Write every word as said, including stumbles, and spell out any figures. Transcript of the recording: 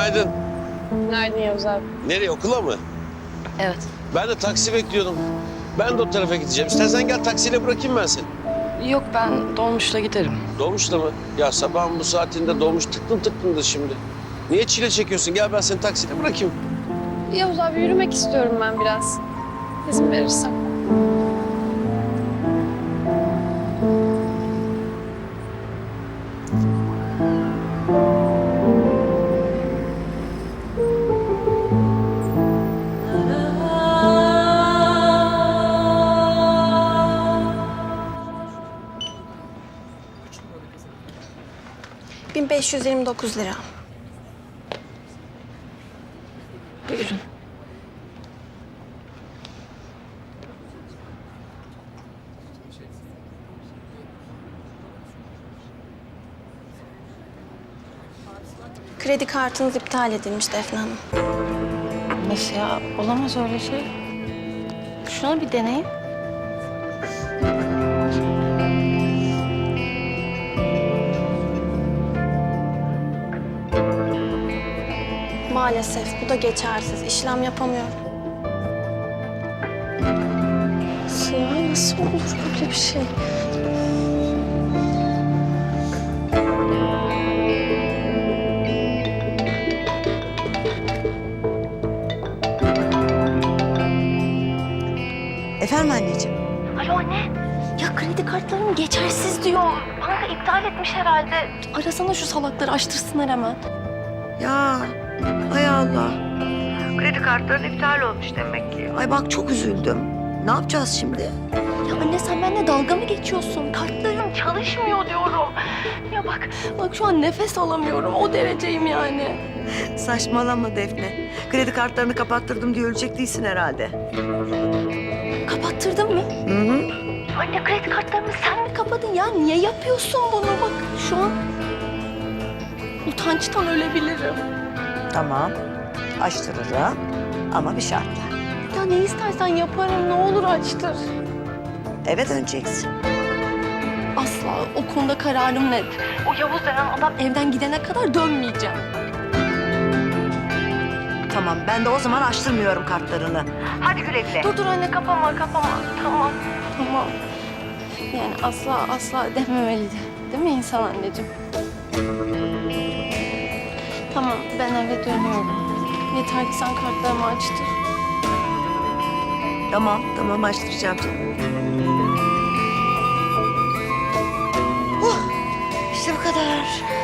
Günaydın. Günaydın Yavuz abi. Nereye, okula mı? Evet. Ben de taksi bekliyordum. Ben de o tarafa gideceğim. İstersen gel taksiyle bırakayım ben seni. Yok ben dolmuşla giderim. Dolmuşla mı? Ya sabahın bu saatinde dolmuş tıklım tıklımdır şimdi. Niye çile çekiyorsun? Gel ben seni taksiyle bırakayım. Yavuz abi yürümek istiyorum ben biraz. İzin verirsen. bin beş yüz yirmi dokuz lira. Buyurun. Kredi kartınız iptal edilmiş Defne Hanım. Nasıl ya? Olamaz öyle şey. Şuna bir deneyin. Maalesef bu da geçersiz. İşlem yapamıyorum. Nasıl ya? Nasıl olur böyle bir şey? Efendim anneciğim? Alo anne. Ya kredi kartlarım geçersiz diyor. Banka iptal etmiş herhalde. Arasana şu salakları açtırsınlar hemen. Ya hay Allah. Kredi kartların iptal olmuş demek ki. Ay bak çok üzüldüm. Ne yapacağız şimdi? Ya anne sen benimle dalga mı geçiyorsun? Kartlarım çalışmıyor diyorum. Ya bak, bak şu an nefes alamıyorum. O dereceyim yani. Saçmalama Defne. Kredi kartlarını kapattırdım diye ölecek değilsin herhalde. Kapattırdın mı? Hı hı. Anne kredi kartlarımı sen mi kapadın ya? Niye yapıyorsun bunu? Bak şu an utançtan ölebilirim. Tamam. Açtırırım ama bir şartla. Ya ne istersen yaparım. Ne olur açtır. Eve döneceksin. Asla o konuda kararım net. O Yavuz denen adam evden gidene kadar dönmeyeceğim. Tamam ben de o zaman açtırmıyorum kartlarını. Hadi güle güle. Dur dur anne kapama kapama. Tamam tamam. Yani asla asla dememeliydi. Değil mi insan anneciğim? Tamam ben eve dönüyorum. Yeter ki sen kartlarımı açtır. Tamam tamam açtıracağım canım. Oh, işte bu kadar.